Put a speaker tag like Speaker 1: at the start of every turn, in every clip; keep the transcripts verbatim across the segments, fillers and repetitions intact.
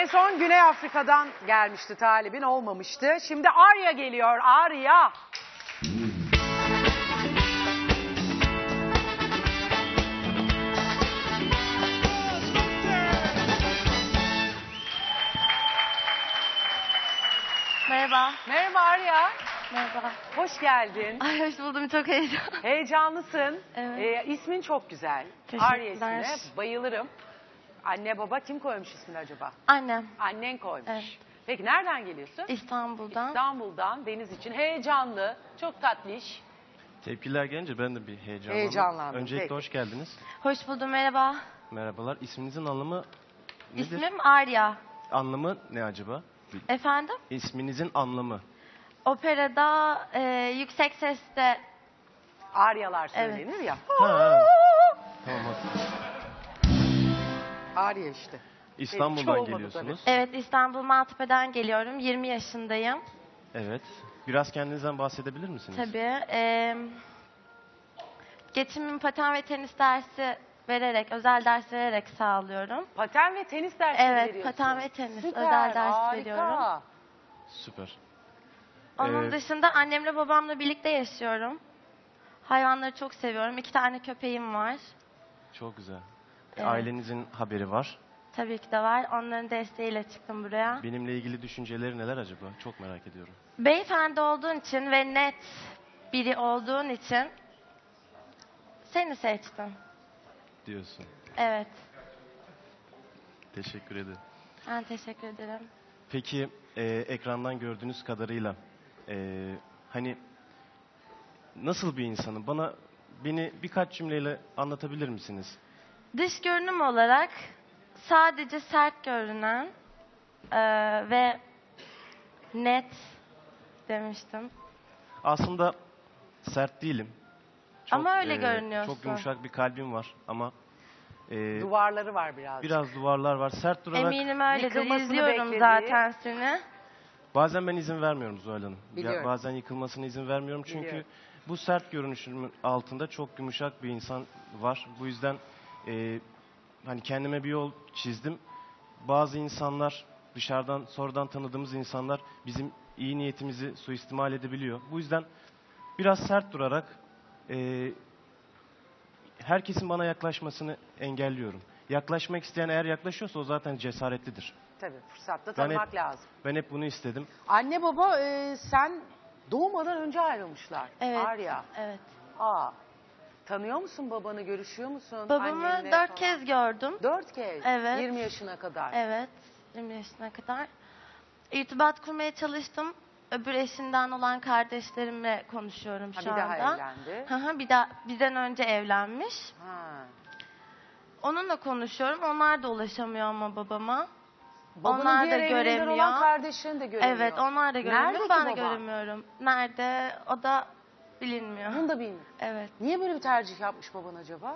Speaker 1: son Güney Afrika'dan gelmişti talibin, olmamıştı. Şimdi Arya geliyor, Arya.
Speaker 2: Merhaba.
Speaker 1: Merhaba Arya.
Speaker 2: Merhaba.
Speaker 1: Hoş geldin.
Speaker 2: Ay hoş buldum, çok heyecanlı.
Speaker 1: Heyecanlısın.
Speaker 2: Evet.
Speaker 1: Ee, ismin çok güzel.
Speaker 2: Teşekkürler.
Speaker 1: Arya ismine bayılırım. Anne baba kim koymuş ismini acaba?
Speaker 2: Annem.
Speaker 1: Annen koymuş.
Speaker 2: Evet.
Speaker 1: Peki nereden geliyorsun?
Speaker 2: İstanbul'dan.
Speaker 1: İstanbul'dan, deniz için. Heyecanlı, çok tatlış.
Speaker 3: Tepkiler gelince ben de bir heyecanlandım.
Speaker 1: Heyecanlandım,
Speaker 3: Öncelikle
Speaker 1: peki.
Speaker 3: hoş geldiniz.
Speaker 2: Hoş buldum, merhaba.
Speaker 3: Merhabalar. İsminizin anlamı nedir?
Speaker 2: İsmim Arya.
Speaker 3: Anlamı ne acaba?
Speaker 2: Efendim?
Speaker 3: İsminizin anlamı.
Speaker 2: Operada e, yüksek sesle...
Speaker 1: Aryalar söylenir
Speaker 2: Evet.
Speaker 1: ya.
Speaker 3: Ha, ha. Tamam.
Speaker 1: Arya işte. Hiç
Speaker 3: İstanbul'dan
Speaker 1: olmadı
Speaker 3: geliyorsunuz.
Speaker 2: Evet, İstanbul Maltepe'den geliyorum. yirmi yaşındayım.
Speaker 3: Evet. Biraz kendinizden bahsedebilir misiniz?
Speaker 2: Tabii. E, geçimimi paten ve tenis dersi vererek, özel ders vererek sağlıyorum.
Speaker 1: Paten ve tenis dersi
Speaker 2: Evet,
Speaker 1: veriyorsun.
Speaker 2: paten ve tenis,
Speaker 1: Süper,
Speaker 2: özel ders
Speaker 1: harika.
Speaker 2: veriyorum.
Speaker 3: Süper.
Speaker 2: Onun
Speaker 3: Ee,
Speaker 2: dışında annemle babamla birlikte yaşıyorum. Hayvanları çok seviyorum. İki tane köpeğim var.
Speaker 3: Çok güzel.
Speaker 2: Evet.
Speaker 3: Ailenizin haberi var.
Speaker 2: Tabii ki de var. Onların desteğiyle çıktım buraya.
Speaker 3: Benimle ilgili düşünceleri neler acaba? Çok merak ediyorum.
Speaker 2: Beyefendi olduğun için ve net biri olduğun için seni seçtim.
Speaker 3: Diyorsun.
Speaker 2: Evet.
Speaker 3: Teşekkür ederim.
Speaker 2: Ben teşekkür ederim.
Speaker 3: Peki e, ekrandan gördüğünüz kadarıyla e, hani nasıl bir insanım? Bana beni birkaç cümleyle anlatabilir misiniz?
Speaker 2: Dış görünüm olarak sadece sert görünen eee, ve net demiştim.
Speaker 3: Aslında sert değilim.
Speaker 2: Ama öyle
Speaker 3: e,
Speaker 2: görünüyorsun.
Speaker 3: Çok yumuşak bir kalbim var ama e,
Speaker 1: Duvarları var birazcık.
Speaker 3: biraz duvarlar var. Sert durarak
Speaker 2: Eminim öyledir.
Speaker 1: Yıkılmasını
Speaker 2: İzliyorum
Speaker 1: beklediği-
Speaker 2: zaten seni.
Speaker 3: bazen ben izin vermiyorum Zuhal Hanım. Ya
Speaker 1: Biliyorum.
Speaker 3: bazen yıkılmasına izin vermiyorum çünkü
Speaker 1: Biliyorum.
Speaker 3: bu sert görünüşümün altında çok yumuşak bir insan var. Bu yüzden e, hani kendime bir yol çizdim. Bazı insanlar dışarıdan sonradan tanıdığımız insanlar bizim iyi niyetimizi suistimal edebiliyor. Bu yüzden biraz sert durarak e, herkesin bana yaklaşmasını engelliyorum. Yaklaşmak isteyen eğer yaklaşıyorsa o zaten cesaretlidir.
Speaker 1: Tabii, fırsatta
Speaker 3: Ben
Speaker 1: tanımak
Speaker 3: hep-
Speaker 1: lazım.
Speaker 3: Ben hep bunu istedim.
Speaker 1: Anne baba e, sen doğmadan önce ayrılmışlar.
Speaker 2: Evet.
Speaker 1: Arya.
Speaker 2: Evet.
Speaker 1: Aa. Tanıyor musun babanı, görüşüyor musun?
Speaker 2: Babamı
Speaker 1: annenle
Speaker 2: dört
Speaker 1: falan?
Speaker 2: kez gördüm.
Speaker 1: Dört kez?
Speaker 2: Evet.
Speaker 1: yirmi yaşına kadar.
Speaker 2: Evet. yirmi yaşına kadar. İrtibat kurmaya çalıştım. Öbür eşinden olan kardeşlerimle konuşuyorum
Speaker 1: Ha,
Speaker 2: şu
Speaker 1: bir
Speaker 2: anda.
Speaker 1: daha evlendi.
Speaker 2: Hı hı, bir daha bizden önce evlenmiş.
Speaker 1: Ha.
Speaker 2: Onunla konuşuyorum. Onlar da ulaşamıyor ama babama.
Speaker 1: Babanın
Speaker 2: Onlar
Speaker 1: diğer
Speaker 2: da
Speaker 1: evliliğinden
Speaker 2: göremiyor.
Speaker 1: olan kardeşin de göremiyor.
Speaker 2: Evet, onlar da göremiyor.
Speaker 1: Nerede ki
Speaker 2: Ben de
Speaker 1: baba?
Speaker 2: göremiyorum. Nerede? O da bilinmiyor.
Speaker 1: Bunu da bilmiyorum.
Speaker 2: Evet.
Speaker 1: Niye böyle bir tercih yapmış baban acaba?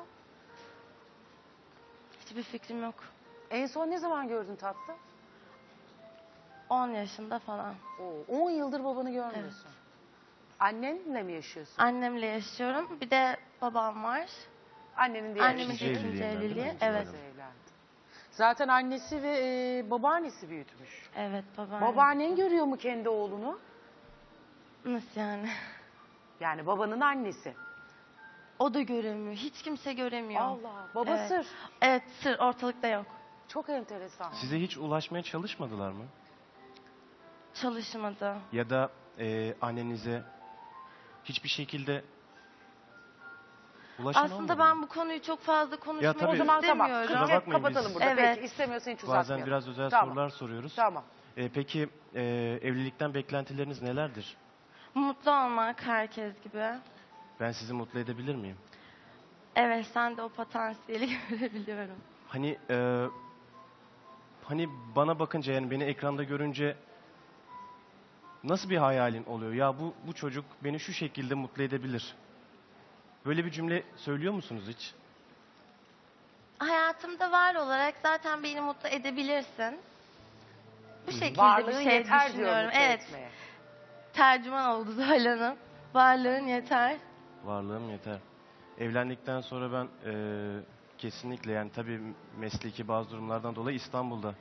Speaker 2: Hiçbir fikrim yok.
Speaker 1: En son ne zaman gördün tatlım?
Speaker 2: on yaşında falan.
Speaker 1: Oo, on yıldır babanı görmüyorsun. Annenle mi yaşıyorsun?
Speaker 2: Annemle yaşıyorum. Bir de babam var.
Speaker 1: Annenin diğer
Speaker 2: Annemin de
Speaker 3: İkinci
Speaker 2: ikinci
Speaker 3: evliliğinden değil mi?
Speaker 2: evliliği.
Speaker 3: İkinci
Speaker 2: Evet.
Speaker 1: kızı evlendi. Zaten annesi ve e, babaannesi büyütmüş.
Speaker 2: Evet, babam.
Speaker 1: Babaannen görüyor mu kendi oğlunu?
Speaker 2: Nasıl yani?
Speaker 1: Yani babanın annesi.
Speaker 2: O da göremiyor. Hiç kimse göremiyor.
Speaker 1: Allah. Baba
Speaker 2: Evet.
Speaker 1: sır.
Speaker 2: Evet, sır ortalıkta yok.
Speaker 1: Çok enteresan.
Speaker 3: Size hiç ulaşmaya çalışmadılar mı?
Speaker 2: Çalışmadı.
Speaker 3: Ya da e, annenize hiçbir şekilde ulaşan olmadı
Speaker 2: Aslında
Speaker 3: mı?
Speaker 2: ben bu konuyu çok fazla konuşmak
Speaker 3: tabii.
Speaker 1: O zaman tamam.
Speaker 2: istemiyorum.
Speaker 3: Kusura
Speaker 1: Hep
Speaker 3: bakmayın,
Speaker 1: kapatalım
Speaker 3: biz-
Speaker 1: burada.
Speaker 2: Evet.
Speaker 1: Peki istemiyorsan hiç
Speaker 3: Bazen
Speaker 1: uzatmayalım.
Speaker 3: biraz özel
Speaker 1: Tamam.
Speaker 3: sorular soruyoruz.
Speaker 1: Tamam.
Speaker 3: E, peki e, evlilikten beklentileriniz nelerdir?
Speaker 2: Mutlu olmak herkes gibi.
Speaker 3: Ben sizi mutlu edebilir miyim?
Speaker 2: Evet, sen de o potansiyeli görebiliyorum.
Speaker 3: Hani e, hani bana bakınca yani beni ekranda görünce nasıl bir hayalin oluyor? Ya bu bu çocuk beni şu şekilde mutlu edebilir. Böyle bir cümle söylüyor musunuz hiç?
Speaker 2: Hayatımda var olarak zaten beni mutlu edebilirsin. Bu şekilde
Speaker 1: Varlığın
Speaker 2: bir şey
Speaker 1: yeter diyor
Speaker 2: düşünüyorum.
Speaker 1: mutlu
Speaker 2: Evet,
Speaker 1: etmeye.
Speaker 2: tercüman oldu Zuhal Hanım. Varlığın yeter.
Speaker 3: Varlığım yeter. Evlendikten sonra ben e, kesinlikle yani tabii mesleki bazı durumlardan dolayı İstanbul'da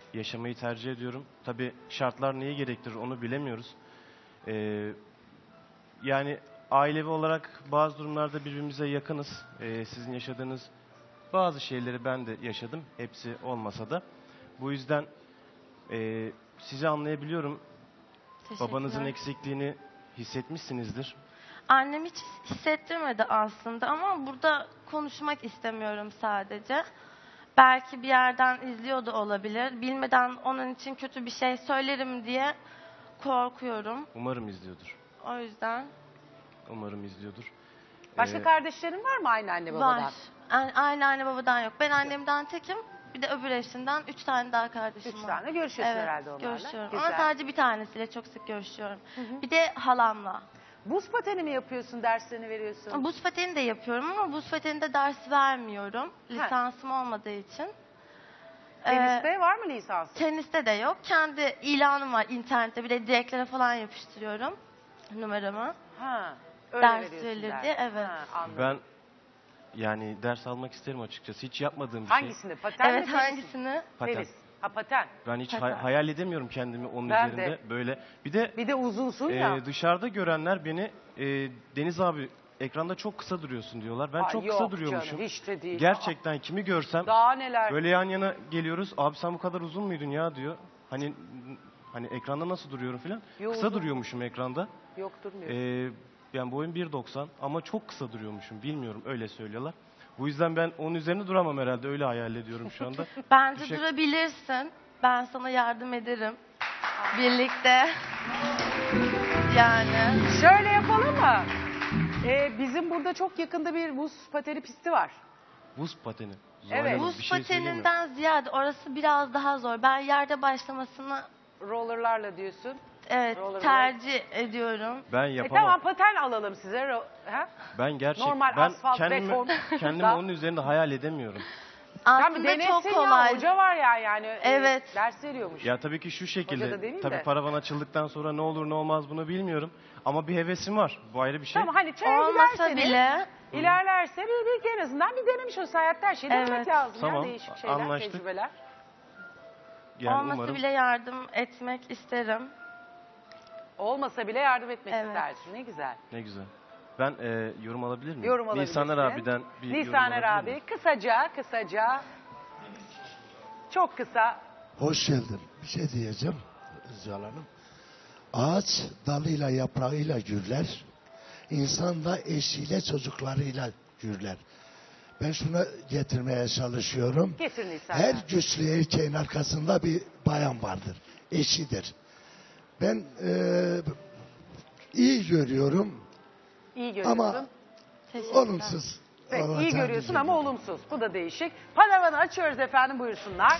Speaker 3: yaşamayı tercih ediyorum. Tabii şartlar neyi gerektirir onu bilemiyoruz. Ee, yani ailevi olarak bazı durumlarda birbirimize yakınız. Ee, sizin yaşadığınız bazı şeyleri ben de yaşadım. Hepsi olmasa da. Bu yüzden e, sizi anlayabiliyorum. Babanızın
Speaker 2: Teşekkürler.
Speaker 3: eksikliğini hissetmişsinizdir.
Speaker 2: Annem hiç hissettirmedi aslında ama burada konuşmak istemiyorum sadece. Belki bir yerden izliyor da olabilir. Bilmeden onun için kötü bir şey söylerim diye korkuyorum.
Speaker 3: Umarım izliyordur.
Speaker 2: O yüzden
Speaker 3: Umarım izliyordur.
Speaker 1: Başka
Speaker 3: Ee,
Speaker 1: kardeşlerin var mı aynı anne babadan?
Speaker 2: var. A- Aynı anne babadan yok. Ben annemden tekim. Bir de öbür eşinden üç tane daha kardeşim
Speaker 1: Üç
Speaker 2: var.
Speaker 1: tane görüşüyorsun
Speaker 2: Evet,
Speaker 1: herhalde onlarla.
Speaker 2: görüşüyorum.
Speaker 1: Güzel.
Speaker 2: Ama sadece bir tanesiyle çok sık görüşüyorum. Bir de halamla.
Speaker 1: Buz pateni mi yapıyorsun, derslerini veriyorsun?
Speaker 2: Buz pateni de yapıyorum ama buz pateninde ders vermiyorum. Lisansım olmadığı için.
Speaker 1: Teniste
Speaker 2: Ee,
Speaker 1: var mı lisans?
Speaker 2: teniste de yok. Kendi ilanım var internette. Bir de direklere falan yapıştırıyorum numaramı.
Speaker 1: Ha, öyle
Speaker 2: Ders
Speaker 1: veriyorsun
Speaker 2: verildi,
Speaker 1: ders.
Speaker 2: evet.
Speaker 1: Ha, anladım.
Speaker 3: Ben yani ders almak isterim açıkçası. Hiç yapmadığım bir şey.
Speaker 1: Hangisinde? Paten
Speaker 2: Evet
Speaker 1: mi? tenis mi?
Speaker 2: hangisini?
Speaker 3: Paten.
Speaker 1: Tenis. Ha paten.
Speaker 3: Ben hiç
Speaker 2: Paten.
Speaker 3: hay- hayal edemiyorum kendimi onun
Speaker 1: Ben
Speaker 3: üzerinde
Speaker 1: de.
Speaker 3: böyle. Bir de
Speaker 1: Bir de uzunsun
Speaker 3: e,
Speaker 1: ya.
Speaker 3: dışarıda görenler beni e, Deniz abi ekranda çok kısa duruyorsun diyorlar. Ben
Speaker 1: Ay,
Speaker 3: çok
Speaker 1: yok
Speaker 3: kısa duruyormuşum.
Speaker 1: canım, hiç de değil.
Speaker 3: Gerçekten kimi görsem
Speaker 1: Aa, daha neler.
Speaker 3: böyle yan yana geliyoruz. Abi sen bu kadar uzun muydun ya diyor. Hani hani ekranda nasıl duruyorum filan.
Speaker 1: Yo,
Speaker 3: Kısa
Speaker 1: uzun.
Speaker 3: duruyormuşum ekranda.
Speaker 1: Yok durmuyor.
Speaker 3: Ee, yani boyum bir doksan ama çok kısa duruyormuşum. Bilmiyorum öyle söylüyorlar. Bu yüzden ben onun üzerine duramam herhalde. Öyle hayal ediyorum şu anda.
Speaker 2: Bence
Speaker 3: Teşekkür-
Speaker 2: durabilirsin. Ben sana yardım ederim. Birlikte. Yani.
Speaker 1: Şöyle yapalım mı? Ee, bizim burada çok yakında bir buz pateni pisti var.
Speaker 3: Buz pateni. Zuhal
Speaker 1: Evet.
Speaker 3: Hanım,
Speaker 2: Buz
Speaker 3: bir şey söyleyeyim mi?
Speaker 2: pateninden ziyade orası biraz daha zor. Ben yerde başlamasını
Speaker 1: Rollerlarla diyorsun.
Speaker 2: evet
Speaker 1: Roller
Speaker 2: tercih ediyorum.
Speaker 3: Ben
Speaker 1: E
Speaker 3: yapamam.
Speaker 1: tamam paten alalım size. Ro- ha?
Speaker 3: Ben gerçek
Speaker 1: Normal
Speaker 3: ben
Speaker 1: asfalt,
Speaker 3: kendimi,
Speaker 1: beton.
Speaker 3: kendimi onun üzerinde hayal edemiyorum.
Speaker 1: Tamam,
Speaker 2: Aslında
Speaker 1: denesin
Speaker 2: çok
Speaker 1: ya,
Speaker 2: kolay.
Speaker 1: hoca var ya yani. e,
Speaker 2: Evet.
Speaker 1: ders veriyormuş.
Speaker 3: Ya tabii ki şu
Speaker 1: Hoca da
Speaker 3: şekilde.
Speaker 1: demeyeyim
Speaker 3: Tabii
Speaker 1: de.
Speaker 3: paravan açıldıktan sonra ne olur ne olmaz bunu bilmiyorum. Ama bir hevesim var. Bu ayrı bir şey.
Speaker 1: Tamam hani çaya
Speaker 2: Olmasa
Speaker 1: giderseniz,
Speaker 2: bile
Speaker 1: ilerlerse bir, bir en azından bir denemiş olsa hayatta her şeyi denemek
Speaker 2: Evet.
Speaker 1: lazım.
Speaker 3: Tamam,
Speaker 1: Ya, değişik şeyler,
Speaker 3: anlaştık.
Speaker 1: tecrübeler.
Speaker 3: Yani
Speaker 2: olmasa
Speaker 3: umarım.
Speaker 2: bile yardım etmek isterim.
Speaker 1: Olmasa bile yardım etmek
Speaker 2: Evet.
Speaker 1: istersin. Ne güzel.
Speaker 3: Ne güzel. Ben e, yorum alabilir miyim?
Speaker 1: Yorum alabilirsin.
Speaker 3: Nisaner abiden bir yorum
Speaker 1: Nisaner
Speaker 3: alabilir
Speaker 1: abi
Speaker 3: miyim?
Speaker 1: kısaca kısaca çok kısa.
Speaker 4: Hoş geldin. Bir şey diyeceğim Zuhal Hanım. Ağaç dalıyla yaprağıyla gürler. İnsan da eşiyle çocuklarıyla gürler. Ben şunu getirmeye çalışıyorum.
Speaker 1: Getir Nisaner.
Speaker 4: Her güçlü erkeğin arkasında bir bayan vardır. Eşidir. Ben eee, iyi görüyorum
Speaker 1: İyi görüyorsun.
Speaker 4: ama
Speaker 2: Teşekkürler.
Speaker 4: olumsuz.
Speaker 1: Peki,
Speaker 4: olacağı
Speaker 1: iyi görüyorsun ama
Speaker 4: düşünüyorum.
Speaker 1: olumsuz. Bu da değişik. Panavanı açıyoruz efendim, buyursunlar.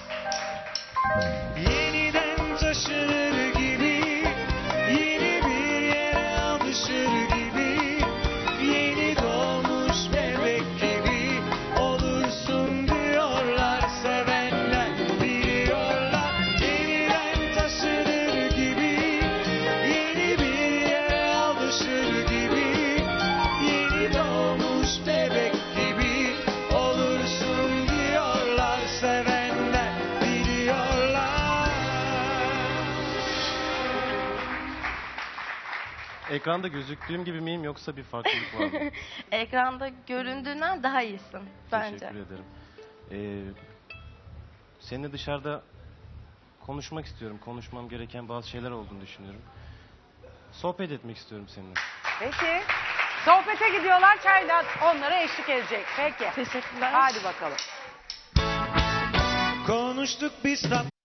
Speaker 5: Yeniden taşınır gibi, yeni bir yere alışır gibi, yeni doğmuş bebek gibi olursun diyorlar sevenler, biliyorlar. Yeniden taşınır gibi, yeni bir yere alışır gibi, yeni doğmuş bebek gibi olursun diyorlar sevenler, biliyorlar.
Speaker 3: Ekranda gözüktüğüm gibi miyim yoksa bir farklılık var mı?
Speaker 2: Ekranda göründüğünden daha iyisin bence.
Speaker 3: Teşekkür ederim. Ee, seninle dışarıda konuşmak istiyorum. Konuşmam gereken bazı şeyler olduğunu düşünüyorum. Sohbet etmek istiyorum seninle.
Speaker 1: Peki. Sohbete gidiyorlar, çaydan onlara eşlik edecek. Peki.
Speaker 2: Teşekkürler.
Speaker 1: Hadi bakalım.
Speaker 5: Konuştuk biz tat